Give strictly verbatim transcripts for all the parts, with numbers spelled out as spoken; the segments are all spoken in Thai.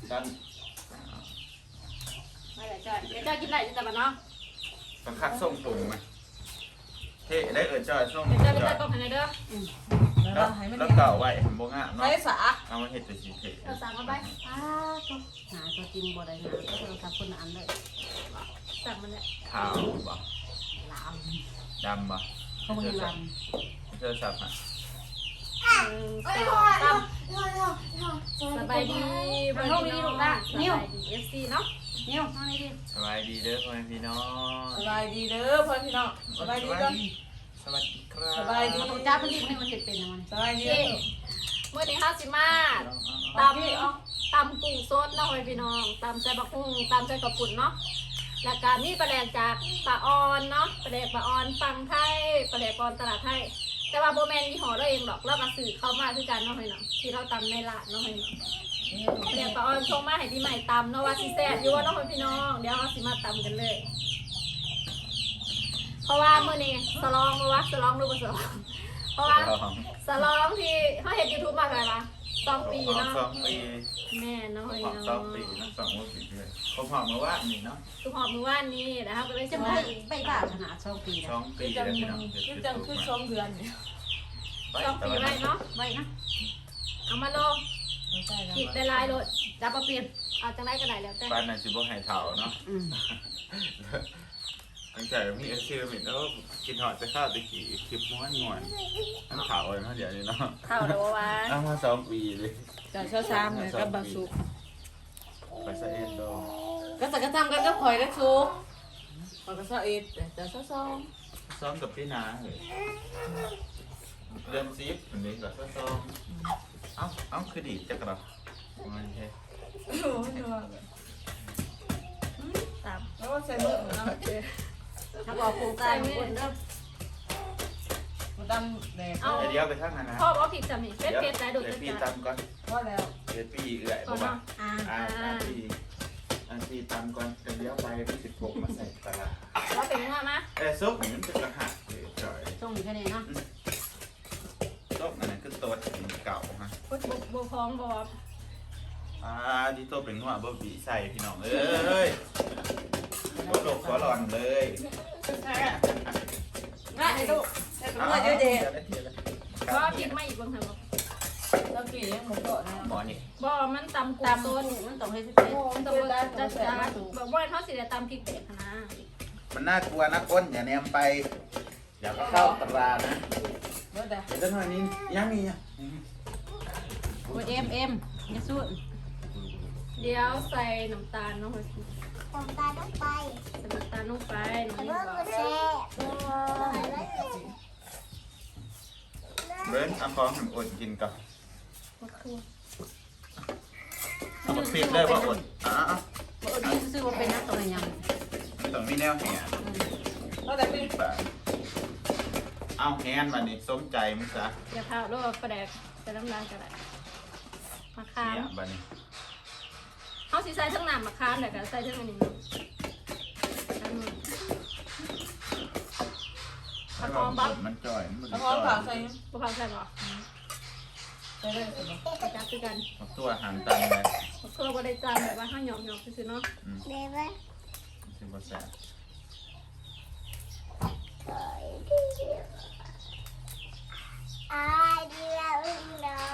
ดันไม่ได้จ้อยเดี๋ยวจ้อยกินได้จะแต่บ้านเนาะบังคับส่งตรงไหมเฮ้ได้เอิญจอยส่งเดี๋ยวจ้อยไปจ้อยกล้องให้เด้อแล้วแล้วเก่าไว้ผมบ่งะเนาะใช้สาเอามาเห็ดแต่สีเทเราสั่งมาไปอ้าตัวหาตัวจริงบ่ได้หาก็โทรศัพท์คนละอันเลยสั่งมันเนี่ยขาวบ่ลามดำบ่เขาบ่มีลามเจอสับอ่ะหนึ่งสองสามสบายดีบนนี้ลูกนะนิ้วเอฟซีเนาะนิ้วทางนี้ดิสบายดีเด้อพ่อแม่พี่น้องสบายดีเด้อพ่อพี่น้องสบายดีก่อนสวัสดีครับสบายดีจ้าเพิ่นรีบให้มันเฮ็ดเป็นนะมันสบายดีเมื่อนี้ห้าสิมาตำตำกุ้งสดเนาะพี่น้องตำใส่บักหุ่งตำใส่กระปุ่นเนาะแล้วก็มีปลาแดกจากปลาออนเนาะปลาแดกปลาออนฟังไทยปลาแดกปอนตลาดไทยแต่ว่าโบแมนยี่ห้อเราเองหรอกเราก็สื่อเข้ามาคือกันเนาะพี่น้องที่เราตำในร้านเนาะพี่น้องปลาแดกปลาออนชงมาให้พี่ใหม่ตำเนาะว่าสิแซ่บอยู่ว่าเนาะพี่น้องเดี๋ยวเราสิมาตำกันเลย เพราะว่าเมื่อนี้สลองรู้ว่าสลองรู้ว่าสลองเพราะว่าสลองที่เขาเห็นยูทูบมาอะไรวะสองปีเนาะสองปีแม่เนาะผมพี่หอมน้องสองปีนะสองวันปีเลยผมหอมมาว่านี่เนาะทุกหอบมือว่านนี้นะครับก็เลยจะจะไปมาไปบ้าขนาดสองปีสแล้วองปีจัแล้งวพี่น้องจังคือสองเดือนเนี่ยสองปีไว้เนาะไว้นะเอามาลงใช่แล้วขีดได้ลายโลดจับมาเปลี่ยนเอาจังไรก็ได้แล้วแต่บ้านนั้นสิบ่ให้เถ่าเนาะอืมตั้งแต่มีอาชีพมิดแล้วกินหอดจะข้าวตะกี้คลิปม้วนม้วนน้ำเถ่าเลยเนาะเดี๋ยวนี้เนาะเท่าเดี๋ยวว่าเอามาสองปีเลยแต่เช้าซ้ำเนี่ยกับบาสุกไปใส่เอ็นโดก็สักกระทำกันก็คอยได้สุกคอยก็เช้าเอ็ดแต่เช้าซ้อมซ้อมกับพี่นาเลยเริ่มซีฟอันนี้ก็ซ้อมเอ้าเอ้าคือดีจักรมันแค่โอ้โหเนาะตามแล้วก็ใส่เมื่อเนาะถ้าบอกโครงการของคนเด้อมันดำแดงเอาเดี๋ยวไปข้างนั้นนะพ่อบอกผิดจำนี่เป็นเพชรได้โดดเดี๋ยวจะพี่จัดตำก่อนพอแล้วเดี๋ยวพี่เอื่อยบอกว่าอ่าอ่าอ่าพี่อ่าพี่ตำก่อนเดี๋ยวไปพี่สิบหกมาใส่ปลาเราเป็นว่ามาเอ้ซุปนี่มันจะกระหักเลยจ่อยส่งแค่นี้เนาะซุปอันนั้นคือตัวเก่าฮะบุบบุพองบอกอ่าที่ตัวเป็นหัวบะบีใส่พี่น้องเอ้ยหัวหลบหัวหลอนเลยง่ายลูกแต่ก็เมื่อเยอะเด็ดเพราะผิดไม่อีกบางทีบอกตะกี้ยังหมดเกาะนะหมอนี่บ่มันตำกุ้ตาง มสต้ดนมันต้องให้เป็นมันต้องจัดจัดจ้านแบบว่าเขาสิได้ตำพริกเด็ดนะมันน่ากลัวนะก้นอย่าแนมไป อย่าเข้าตรานะเมื่อใดเดี๋ยวจะหน่อยนี้ยังมีอ่ะโอ้ยเอ็มเอ็มอย่าสู้เดี๋ยวใส่น้ำตาลน้องผมตาต้องไปใส่น้ำตาลลงไปน้องเมื่นี่อบอกกูแช่เบิ้ลเอาของให้อดกินกับเอามาปิดเลยว่าอดอ่ะบ่อดีซื้อว่าเป็นนักตัวยังมันต้องมีแนวแหนเมื่อใดพี่เอาแฮนมานี่สมใจมึงซะอย่าพาลูกกระแดกใส่น้ำตาลก็ได้มะขามเนี่ยบัดนี้เขาสิใส่ทั้งน้ำมะขามแต่ก็ใส่ทั้งอันนี้ผักหอมบ๊อบมันจ่อยมันแล้วพร้อมผักใส่ผักหอมใส่หรอใส่ได้ใส่บ่กระจับคือกันเอาตัวอาหารตามไปเพื่อบริจาคแบบว่าห้าหยอกหยอกคือเนาะเดี๋ยวไปสิบเปอร์เซ็นต์ไอ้เดียวเนาะ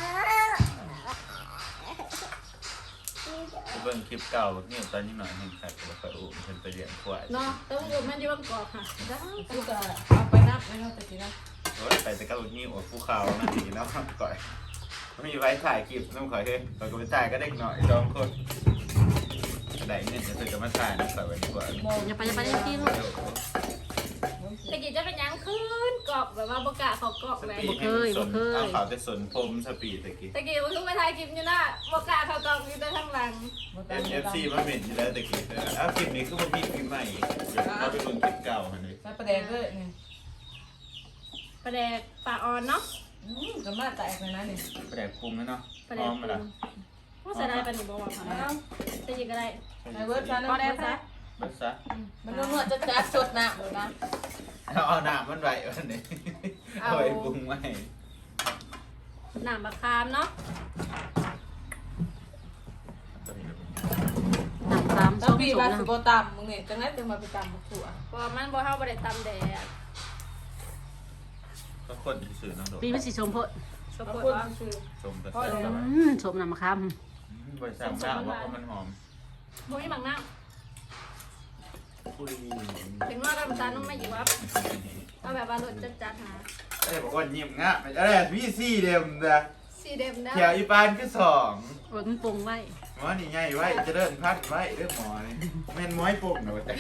เบิ่งคลิปเก่าเนี่ยตอนนี้หน่อยหนึ่งครับแล้วก็อุ้มเพิ่นไปเลี้ยงควายเนาะต้องอยู่มันอยู่บนเกาะค่ะจ้ากูจะเอาไปนับไม่เอาแต่ทีนะโอ้ยไปแต่ก็อุ้มนิ้วภูเขานั่นดีเนาะก่อยมีไว้ถ่ายคลิปน้องข่อยเฮ้ยข่อยก็ไปถ่ายก็เด็กหน่อยสองคนได้เงินจะซื้อกับมาถ่ายนะข่อยไว้ดีกว่ามองอย่าไปอย่าไปได้ที่ลูกตะกี้จะเป็นยังขึ้นเกาะแบบว่าบกะเขาเกาะสเลยปีดให้มันสนเอาเขาจะสนผมสปีดตะกี้ตะกี้มันทุกไปถ่ายคลิปอยู่นะบกะเขาเกาะอยู่แต่ข้างหลังเอ็มเอฟซีมาเป็นอยู่แล้วตะกี้อ้าวคลิปนี้คือมันมีคลิปใหม่เดี๋ยวเราไปเบิ่งคลิปเก่าอันนี้ใส่ประเด็นด้วยนี่ประแดกปลาออนเนาะอืมจะมาแตกเลยนะนี่แปลกปรุงแล้วเนาะประพแดร้อก มมาละว่าใส่ได้ปะหนูบอกว่าค่ะตะกี้ก็ได้ในเวิร์ดชาแนลพอได้ซะเบิดซะมันนวดจะจัดสดนะเลยนะเอาเอาหน้ามันไว้วันนี้เอาไว้ปรุงไว้หนามบะคามเนาะแล้วส้มปีส้มบานะสิโบตำมึงเนี่ยจังไรจังมาไปตำบักถั่วเพราะว่ามันบ่เฮาบ่ได้ตำแดดก็คนที่สื่อน้องโดดปีมันสีส้มโพดชอบบางปวดคนว่าคือชมแต่พ่อใส่เดี๋ยวอืมส้มน้ำมะขามบริษัทหน้าว่ามันหอมบ่มีบางน้ปุยำถึงว่าน้ำตาลต้องไม่อยู่ครับเอาแบบว่ารสจัดๆหาไอ้บอกว่ายิ้มงะไม่ได้พี่ซี่เดียมนะสีเด็มนะแถวอีปานคือสองโอ้ยมันปรุงไว้หมอนี่ไงไว้จะเดินพัดไว้เรื่องหมอนี่แม่นม้อยปุ่มหนูแต่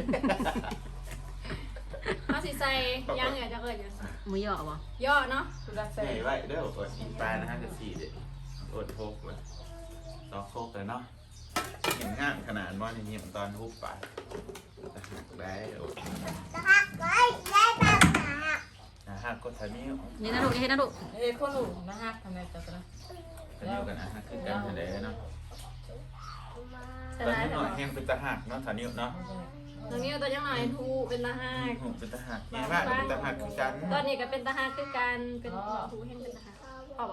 เอาสิใส่ย่างเหงื่อจะเกิดอย่างหมูย่อบ่ย่อเนาะคือรักแซ่ใส่ไว้เด้ออดอีปานนะฮะจะสี่เด็ดอดโคกเลยต่อโคกเลยเนาะยิ้มงามขนาดว่านี่ยิ้มตอนฮุบไปได้อดจะหักไว้ได้ปากหานะฮะก็ทานิ้วนี่นะลูกนี่นะลูกเฮ้ยคนหนูนะฮะทำไมจังนะทานิ้วกันนะฮะคือการทะเลเนาะใส่ตอนลายนี้แต่หน่อยว่าแห้งเป็นตะหักเนาะทานิ้วเนาะตรงนี้ตัวยังหน่อยทูเป็นตาหักหูเป็นตะหักแง่มากเป็นตะหักคือกันตอนนี้ก็เป็นตาหักคือการเป็นทูแห่งเป็นตาหักเอาบ่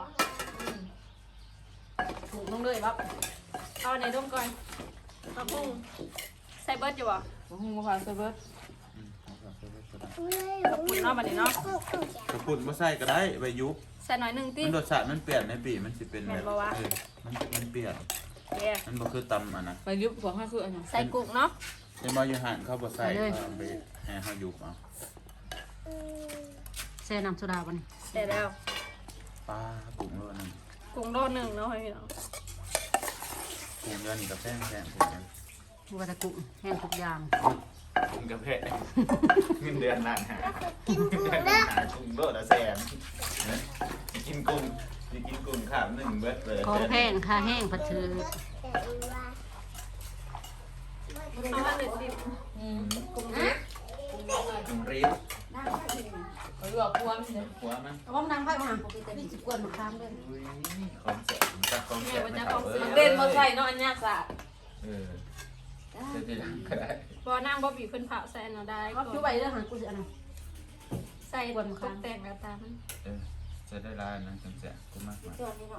ถูกลงเลยบ๊อบเอาในร่มก่อนเอาพุ่งใส่เบิร์ดอยู่บ่ผมหูมาผ่านเซเบิร์ตปุ่นเนาะบัดนี้เนาะกระปุ่นมาใส่ก็ได้ใบยุบใส่หน่อยหนึงติมันรสชาติมันเปลี่ยนในปีมันสิเป็นแบบแม่นบ่วะเออมันมันเปลี่ยนเย้มันบ่คือตำอันนะไปยุบของข้าคืออันนั้นใส่กุ้งเนาะในมอยูหันเขาบ่ใส่เขาไปให้เขายุบเอาแช่น้ำโซดาบ่นี่ใส่แล้วปลากุ้งโลนึงกุ้งโลหนึ่งเนาะพี่น้องกุ้งเดือนนี่กับแป้งแป้งกุ้งบัวตะกุ่งแห้งทุกอย่างกุ้งกับแพะเงินเดือนล้านหากินกุ้งเด้อหากุ้งโลละแสนกินกุ้งสิกินกุ้งข้ามหนึ่งเบิดเลยของแพงค่าแห้งผัดถือเอามาเลยสิอืมกุ้งนะกุ้งรีบไปหลอกพวงเนี่ยหัวมันเอาบ้องน้ำไว้มานี่สิกวนมะขามด้วยอุ้ยของแสบจักของแสบไม่เอาเออเด่นมาใส่เนาะอันยากสะเออจะได้ก็ได้บ่นั่งบ่บีเพิ่นเผาใส่เนาะได้ก็คือไว้เรื่องหันกูสิอันนั้นใส่ตกแต่งแล้วตามมันเออจะได้ร้านนะจังแสบกูมากมาย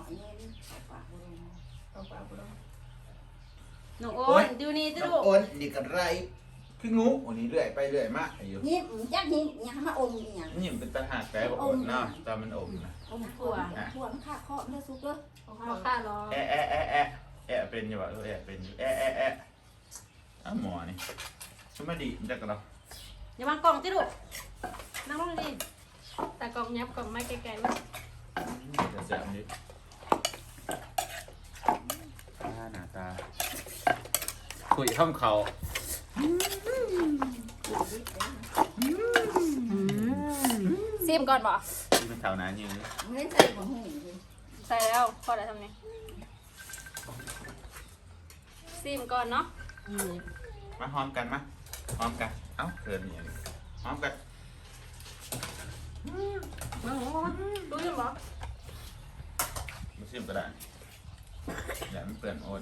น้องโอนดูนี่ติลูกโอนนี่กันไรคืองูอันนี้เรื่อยไปเรื่อยมากอายุนี่จักนี่ยังมาอมอีหยังนี่มันเป็นตาหากแต่บอกโอนเนาะตอนมันอมนะอมถั่วถั่วมันค่าเคาะเนื้อซุกเด้อเอาค่ารอแอะแอะแอะแอะแอะเป็นอยู่วะเออแอะเป็นอยู่แอะแอะแอะอ้าวหมอนี่ชุดมาดีมันจะกันเราอย่าวางกล่องติลูกนั่งลงดิแต่กล่องยับกล่องไม้ไกลๆมันจะแสบนิดตาหน้าตาคุยข้ามเขาอืมซิมก่อนบ่ที่เป็นแถวนั้นยืนไม่ใส่ของหูใส่แล้วพอได้ทำนี่ซิมก่อนเนาะนี่มาหอมกันมาหอมกันเอ้าเกินอย่างนี้หอมกันน้องโอนรู้ยังบ่มาชิมก็ได้อย่ามันเปื่อนโอน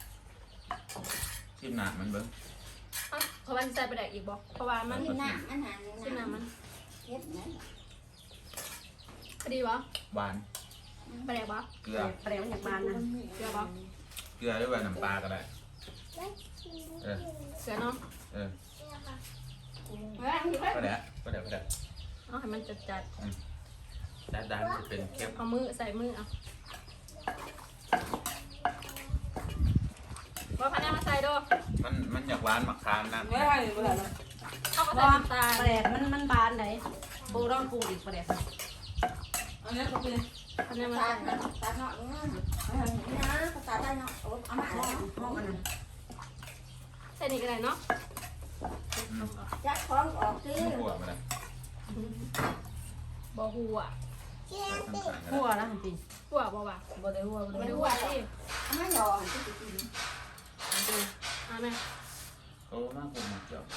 ชิมหนามันเบิ้งเอ้าเพราะว่าสิใส่ไปได้อีกบ่เพราะว่ามันนี่หน้ามันหาซิมน้ำมันเฮ็ดนะพอดีบ่หวานไปได้บ่เกลือแปลวอย่างบานนะเกลือบ่เกลือด้วยว่าน้ำปลาก็ได้เออเกลือเนาะเออเฮ้ยก็ได้ก็ได้ก็ได้เอาให้มันจัดด้านด้านจะเป็นเข้มๆเอามือใส่มือเอาว่าพันธุ์มาใส่ดูมันมันอยากหวานหมักคามนะไม่ได้เลยไม่ได้เลยเอาก็ใส่ว่าน้ำตาลแปลกมันมันบานไหนปลูกต้องปลูกอีกแปลกอันนี้ก็เป็นพันธุ์มาตาใส่ตาเนาะนะภาษาได้เนาะเอามาห้องห้องอันนั้นใส่นี่ก็ได้เนาะจักของออกซิหัวมาเลยบ่หัวทั้งสามก็หัวได้นะจริงหัวบ่วะบ่ได้หัวบ่ไม่ได้ได้หัหัววสิเอามาหยอดที่กินเอาไหมโอ้มากผมมากเจ้า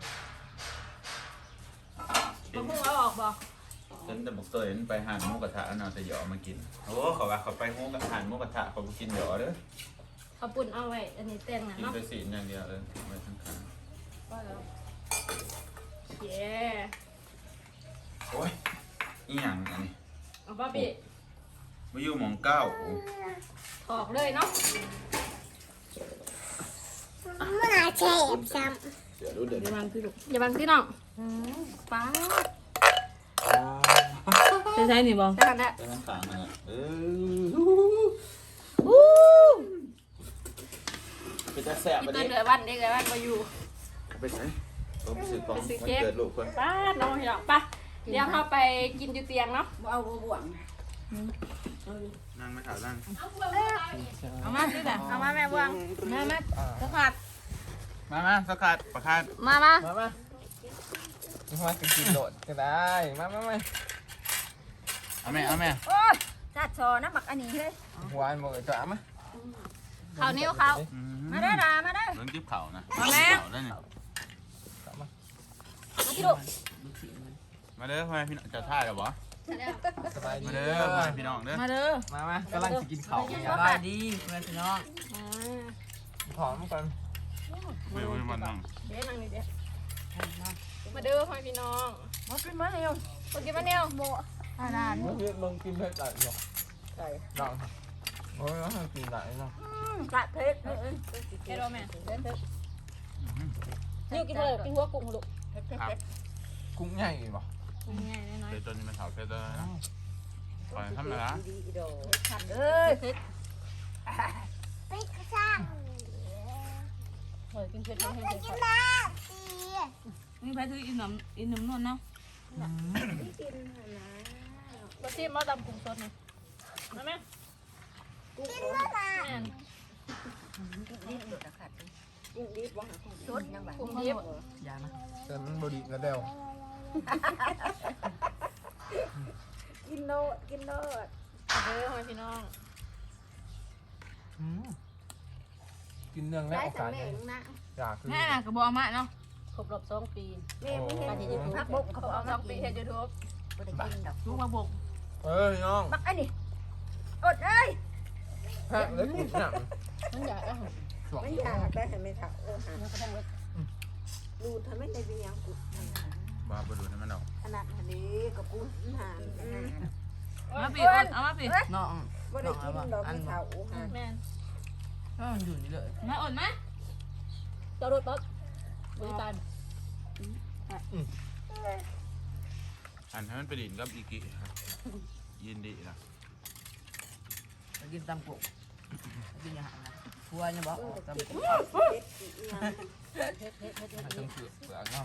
บ่พุ่งเอาออกบ่ฉันแต่บอกตัวเห็นไปหานหมูกระทะเอาแต่หยอมากินโอ้เขาว่าเขาไปหมูกระหานหมูกระทะเขากินหยอเด้อเอาปุ่นเอาไว้อันนี้แต่งนะกินเนาะไปสีอย่างเดียวเออกินไปทั้งคันก็แล้วเย้โอ้ยอีหยังอันนี้เอาป้าปีมาอยู่หมองเก้าถอกเลยเนาะเมื่อไหร่เจ็บซ้เดี๋ยวรู้เดี๋ยวระวังพี่ลูกอย่าบังพี่น้องป้าใช่ใช่นี่บอได้กันแหละจะนั่งขางนะเออไปจะแสบพี่อันตื่นี้นเลยวันเด็กเลยวันมาอยู่ไปไหนผมรู้สึกของมันเกิดลูกคนป้าน้องพี่น้องป้าเดี๋ยวเราไปกินอยู่เตียงเนาะเอาบ่วงนั่งไม่ถามนั่งเอามาสิจ้ะเอามาแม่บวงมามาสกัดมามาสกัดประคาดมามามามามากินโดดก็ได้มามามาเอาแม่เอาแม่โอ้ยจัดชอนะบักอันนี้เฮ้ยหวานหมดเลยจ้ะมาข้าวเหนียวข้าวมาได้ดามาได้เรื่องจิ๊บเข่านะมาแม่เข่าได้เนี่ยมาที่ลูกมาเด้อพ่อแม่พี่น้องจะท่าเดี๋ยวบ่สบายดีมาเด้อพ่อแม่พี่น้องเด้อมาเด้อมามากำลังจะกินข้าวสบายดีเพื่อนพี่น้องหอมก่อนไม่ไม่มันนั่งเดี๋ยวนั่งนี่เดี๋ยวมาเด้อพ่อพี่น้องมาเป็นมาเร็วมากินมาเนี่ยโบอาดานเมื่อกี้มึงกินเผ็ดจัดหรอใส่ลองโอ้ยแล้วกินไหนเนาะจัดเผ็ดเออแค่รอแม่นี่นี่กินเลยกินหัวกุ้งลูกเผ็ดเผ็ดเผ็ดกุ้งใหญ่ป่ะง่ายๆน้อยเดี๋ยวจนมันเข่าเผ็ดเลยนะปล่อยทำไมล่ะดีๆโดขัดเอ้ยเผ็ดำไปกระซังเฮ้ยกินเผ็ดให้ไปเผ็ดกินน้ำตีมีใครซื้ออินน้ำอินน้ำนวลเนาะมาชิมมาตำกุ้งสดหน่อยมาแม่กินเมื่อไหร่แม่นนี่หลุดอะขัดกุ้งดิบว่างกุ้งสดยังไงกุ้งดิบอย่านะแต่มันบดีกระเดวกินโนดกินโนดเด้อพ่อพี่น้องกินเนื่องแล้วได้โอสำกาสเร็จนะอยากคือแม่น่ะกระบอกมาเนาะครบรอบสองปีแม่ไม่เห็นการที่ยูทูบพักบกเขาเขาเอาเอาสมาองปีกินเฮ็ดยูทูบไม่ได้กินดอกลูกมาบกเอ้ยน้องบักอันนี้อดเอ้ยแพะแล้วกินหนังมันอยากอ่ะสองไม่อยากได้เห็นไหมคะโอ้หาดูทำไมในวิญญาณกูบ้าไปดูให้มันออกขนาดนี้กับกูหามาปีกเอามาปีน้องไม่ได้กินดอกที่เขาหาแม่นก็มันอยู่นี่เลยมาอดไหมตัวรถรถบริการอันให้มันไปดินกับอีกิครับยินดีนะไปกินตำกุกินอาหารนะพัวเนี่ยบอกตำกุเฮ็ดเฮ็ดเฮ็ดเฮ็ดมันต้องเปลือกเปลือกเนาะ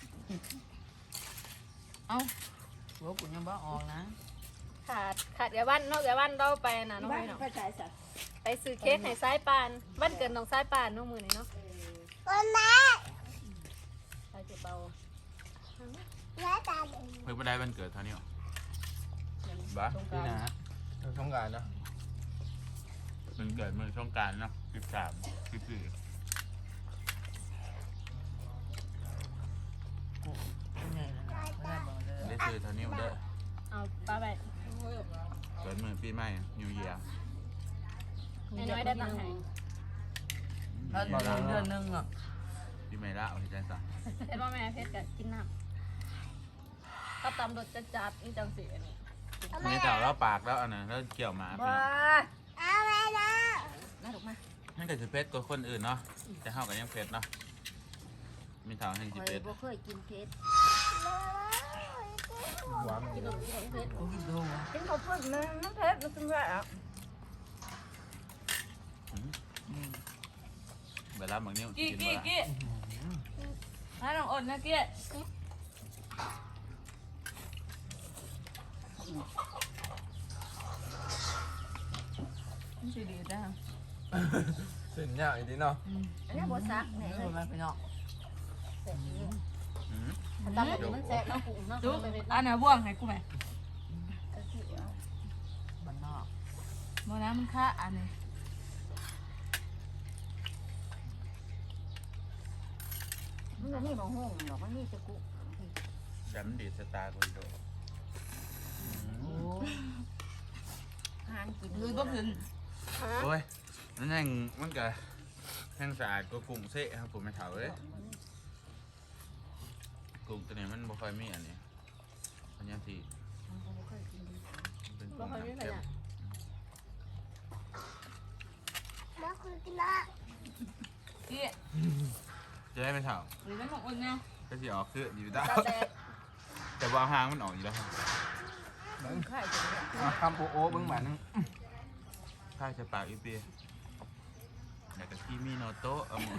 เอ้าพัวกูยังบอกออกนะขาดขาดเดี๋ยววันนอกเดี๋ยววันเราไปน่ะน้องบ้านพี่น้องก็ใช้สัตว์ไปซื้อเค้กให้สายปานวันเกิดน้องสายปานน้องมือนี่เนาะคนแม่สายเจ็บเบาแม่ตาเด็กเพิ่งไปได้วันเกิดเท่านี้หรอบ้าตรงกนี่ลางนะเราต้องการนะมันเกิดเมื่อช่วงกรารเนาะสิบสามสิบสี่ไงนะไม่ได้บอกเลยได้ซื้อเท่านี้เด้อเอาป้าไปเกิดเมื่อปีใหม่นิวเยียร์น้อยๆได้ตังค์ให้ถ้าเดือนเดือนนึงอ่ะปีใหม่ละเอาที่ใจสั่งเฮ็ดว่าแม่เพชรกับกินน้ำก็ตำรสจัดๆนี่จังสีอันนี้มีแต่แล้วปากแล้วอันนั้นแล้วเกี่ยวมาพี่ว้าน้องเอาแม่นะน่าถูกไหมนั่นก็คือเพชรกว่าคนอื่นเนาะแต่เฮากันยังเพชรเนาะมีทางแห่งเคสิยเพชรบ่เคยกินเพชรหวานกินนมกินนมเพชรกูกินดูวะกินข้าวปุ้นมันน้ำเพชรมันเป็นไรอ่ะเวลาบางนิ้วกี้กินกี้มากี้ให้น้องอดนะกี้ไม่ใช่ดีจ้าเส้นยากอีกทีเนาะอันนี้บัวซักเนี่ยไม่รู้อะไรไปเนาะอืมตำรสมันแซ่บน้องกุ้งน้องดูไปเพชรอันไหนบ่วงให้กูไหมบ้านนอกโมน้ำมันค่าอันนี้มันนี่บ่ห้องหรอกมันนี่จะกูแต่มันดีดสตาร์คนโดโอ้หานกินคือก็คือโอ้ยนั่นแห่งมันก็แห่งสะอาดก็กุ้งเซ่ครับผมไม่เท่าเลยกุ้งตัวนี้มันบ่ค่อยมีอันนี้อันนี้ที่เป็นบ่กุ้งค่อยมีขน้ำเค็มยะแม่คุณกินละกี้จะได้ไม่เท่าหรือไม่ของอุ่นเนี่ยก็สิออกคืออยู่ได้ตาแตกแต่ว่าหางมันออกอยู่แล้วเบิ้งไข่จะเนี่ยอ่ะคำโอโอเบิ้งบาทนึงถ้าจะปากอีเปียอยากจะที่มีโนโตะเอาหมด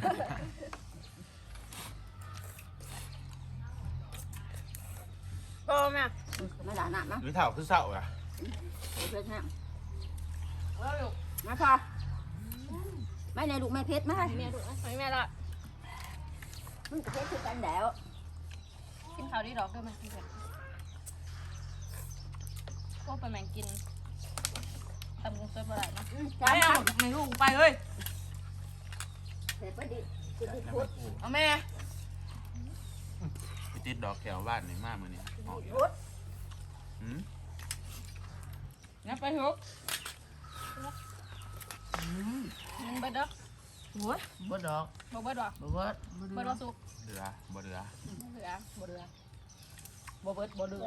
โอ้แม่ไม่ด่าหนักนะหรือเท่าคือเศร้าอ่ะเพื่อนฮะเออลูกมาพอไม่ในลูกไม่เพชรมาแม่ลูกไม่แม่ละมึงกับเพชรคือกันแล้วกินข้าวดีดอกด้วยไหมพี่เพชรพวกไปแมงกินตำกุ้งสดบ่ได้เนาะไปจ้าเอาไม่ลูกไปเฮ้ยเสร็จพอดีกินที่พุทธเอาแม่ไปติดดอกแถวบ้านไหนมากมือนี้ออกอยู่พุทธหืมงั้นไปทุกหนึ่งเบิดเด้อโอ้ยบ่ดอกบ่เบิดว่ะบ่เบิดบ่เบิดเดือว่าสุกเดือบ่เดือบ่เหลือบ่เหลือบ่เบิดบ่เหลือ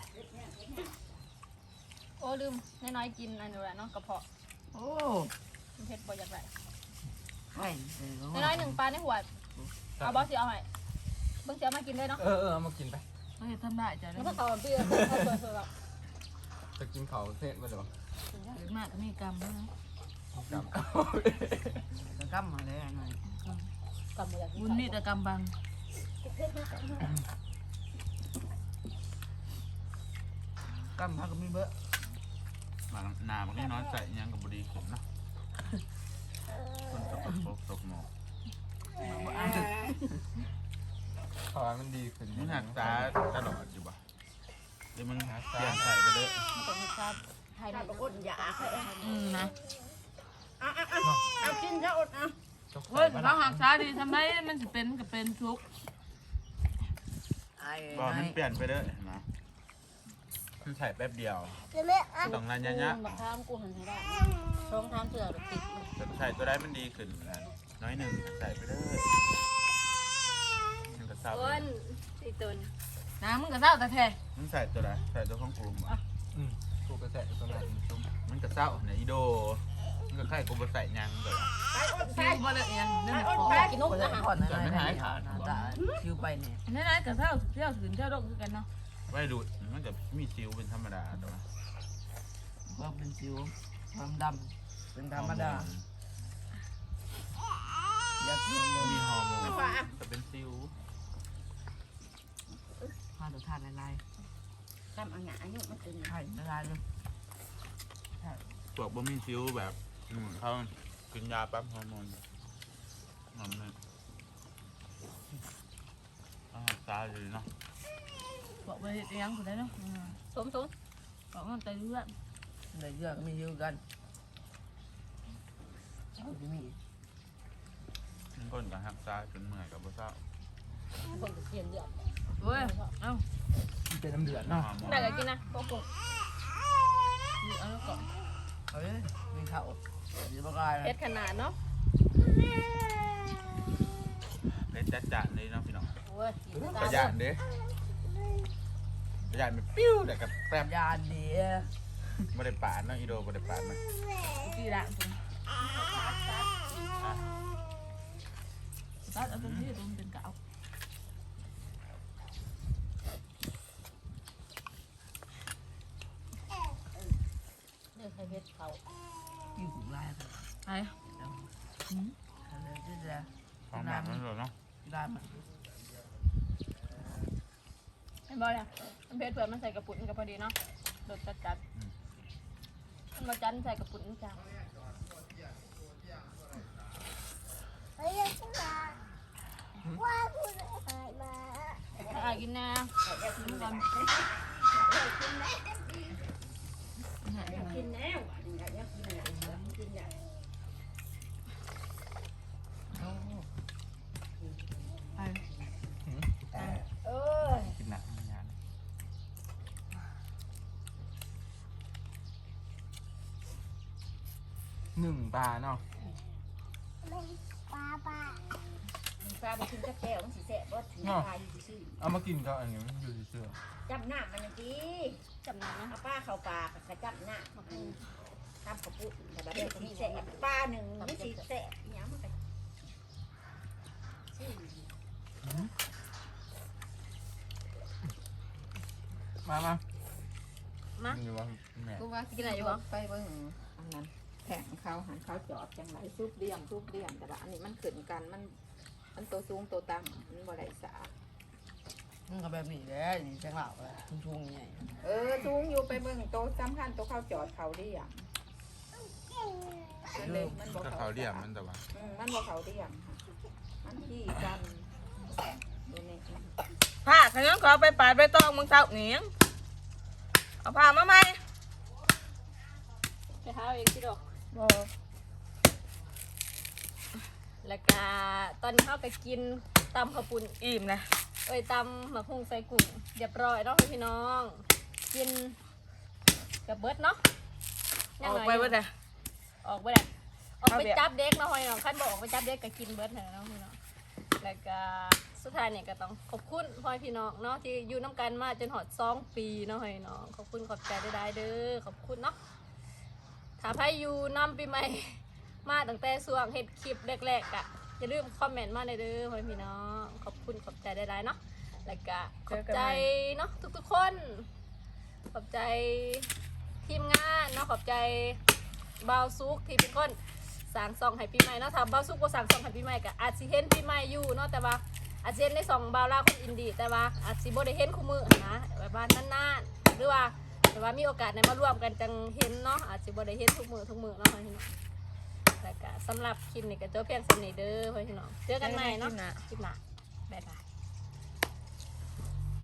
โอ้ลืมน้อยๆกินอันนี้แหละเนาะกระเพาะโอ้มันเผ็ดบ่อยากได้ไข่เน้อยๆหนึ่งปลาในหัวเอาบอสสิเอาให้เบิ่งสิเอามากินด้วยเนาะเออเออเอามากินไปฮ้ยทำได้จ้ะแล้เนี่วย ก็ต่อพี่เอาเปิดเปิดแบบจะกินเขาเสร็จมาหรอเกิดมากก็มีกรรมด้วยนะกลับก็กรรมมาแล้วหน่อยกำมืออยากกิบุนญนี่แต่กรรมบังกรรมพาก็มีเบ้อมาหนามันก็น้อยใจยังกับบดีขึ้นเนาะคนตกตกตกหมอกขอมันดีขึ้นมึงหักตาตลอดอยู่ป่ะเดี๋ยวมึงหักตาใส่ไปเลยมันต้องมีชาติไทยถ้าในปรากฏอย่าอาให้อืมนะเอาเอาเอาเอากินซะอดเอาเฮ้ยเราหักช้าดีทำไมมันจะเป็นก็เป็นทุกข์ไอ้บอกมันเปลี่ยนไปเลยนะมันใส่แป๊บเดียวจะไม่อ่ะต้องนานยะบักข้ามกูหันให้ได้ช่องทางเสือติดๆใส่ตัวได้มันดีขึ้นน้อยหนึ่งใส่ไปเลยมันก็เศร้าต้นตีตุนน้ำมึงก็เศร้าแต่แท้มึงใส่ตัวไหนใส่ตัวของกูอ่ะอืมกูกระแสตัวนั้นตุ้มมันก็เศร้าเนี่ยอีโดมันก็ไข่กูไปใส่ยังเลยคิวบ่เลยยังนั่นขอกินนุ่มนะก่อนนะไม่หายขาดตาคิวไปเนี่ยนั่นๆก็เศร้าเที่ยวถึงเที่ยวดกคือกันเนาะไว้ดูดมันจะมีซิวเป็นธรรมดาตัวว่าเป็นสิวความดำเป็นธรรมดาอยากกินเลยมีฮอร์โมนจะเป็นซิวพาตัวทานลายทำเอาหงาอายุมันตึงๆไข่ละลายเลยพวกบ่มีซิวแบบอืมเขากินยาปั๊บฮอร์โมนมันเลยอ่าตายเลยเนาะบอกไปเตียงคนได้เนาะสมสมบอกมันใจเลือดใจเลือดก็มีเยอะกันมีมันก้นกับหักตายจนเมื่อยกับบ่เศร้าคนเปลี่ยนเดือดเฮ้ยเอ้าเป็นน้ำเดือดฮอเนาะร์โมนได้ก็กินนะโกโก้มีเอาแล้วก่อนเฮ้ยมีข้าวมีปลากายเผ็ดขนาดเนาะเล็ดจัดจานเลยเนาะพี่น้องโอ้ยประหยัดเด้ประหยัดมันปิ้วแต่กับแป๊บยาเดียไม่ได้ปาดเนาะอีโดไม่ได้ปาดมาที่ละตรงตัดเอาตรงที่ตรงเป็นเก่าเนี่ยใครเผ็ดเขาอยู่หูลายกันไอ้อืมอะไรที่จะความแบบนั้นเลยเนาะได้มันเห็นบ่เนี่ยมันเผ็ดเผื่อมันใส่กระปุกมันก็พอดีเนาะรสจัดจัดมันมาจันใส่กระปุกนี่จ้าเฮ้ยจะมาว่าคุณอะไรมาถ้าอายกินนะกินก่อนกินแล้วอยากกินอะไรกินอย่างไอ้เออกินหนักงานหนึ่งปลาเนาะป้าป้าปลาไปกินกับแก้วมันสีแสบว่าถือปลาอยู่ซื่อเอามากินก็อันนี้มันอยู่เชื่อจับหน้ามันอย่างนี้จำนำนะเอาป้าเข้าปลากับจับหน้ามันทำกระปุกแต่แบบสีแสบปลาหนึ่งไม่สีแสบอย่างมันก็มามามาอยู่ว่าแม่กูว่ากินอะไรอยู่บ่ไปเบิ่งอันนั้นแข่งเขาหันเขาจอดจังไรซุปเดี่ยมซุปเดี่ยมแต่ว่าอันนี้มันขึ้นกันมันมันตัวสูงตัวต่ำมันบ่ได้สามันก็แบบนี้แหละนี่จังหวะเลยทุ่งๆใหญ่เออสูงอยู่ไปเบิ่งโตะสำคัญโตะเขาจอดเขาเดี่ยมมันเลยมันบ่ก็เขาเขาเรียกมันแต่ว่าอืมมันบ่เขาเดี่ยมค่ะมันที่กันดูนี่ผ้าขยันขอไปปาดไปต้องมึงเจ้าหนีงเอาผ้ามาไหมไปหาเอาเองสิดอกบ่แล้วก็ตอนนี้เขาไปกินตำข้าวปุ้นอิ่มนะเอ้ยตำหมักหุ่งใส่กุ้งเรียบร้อยเนาะพี่น้องกินกับเบิร์ดเนาะออกไปเบ่ได้ออกไปได้ออกไปเอาเดี๋ยวจับเด็กเนาะพี่น้องขั้นบอกออกไปจับเด็กก็กินเบิร์ดเถอะเนาะพี่น้องแล้วก็สุดท้ายเนี่ยก็ต้องขอบคุณพ่อพี่น้องเนาะที่อยู่น้ำกันมาจนหอดสองปีเนาะพี่น้องขอบคุณขอบใจได้ๆเด้อขอบคุณเนาะถ้าใครอยู่น้ำปีใหม่ มาตั้งแต่ส่วงเฮ็ดคลิปแรกๆอ่ะอย่าลืมคอมเมนต์มาในเด้อพ่อพี่น้องขอบคุณขอบใจได้ๆเนาะแล้วก็ขอบใจเนาะทุกๆคนขอบใจทีมงานเนาะขอบใจบ่าวซุกที่เป็นคนสั่งซองให้ปีใหม่เนาะถ้าบ่าวซุกบ่สั่งซองให้ปีใหม่ก็อาจสิเห็นปีใหม่อยู่เนาะแต่ว่าอาจสิเห็นในซองบ่าวลาวคนอินดี้แต่ว่าอาจสิบ่ได้เห็นคู่มือนะแบบว่านานๆหรือว่าแต่ว่ามีโอกาสได้มาร่วมกันจังเห็นเนาะอาจสิบ่ได้เห็นทุกมือทุกมือเนาะพี่น้องแล้วก็สำหรับคลิปนี้ก็จบเพียงสำนี้เด้อพี่น้องเจอกันใหม่เนาะคลิปหน้าบ๊ายบาย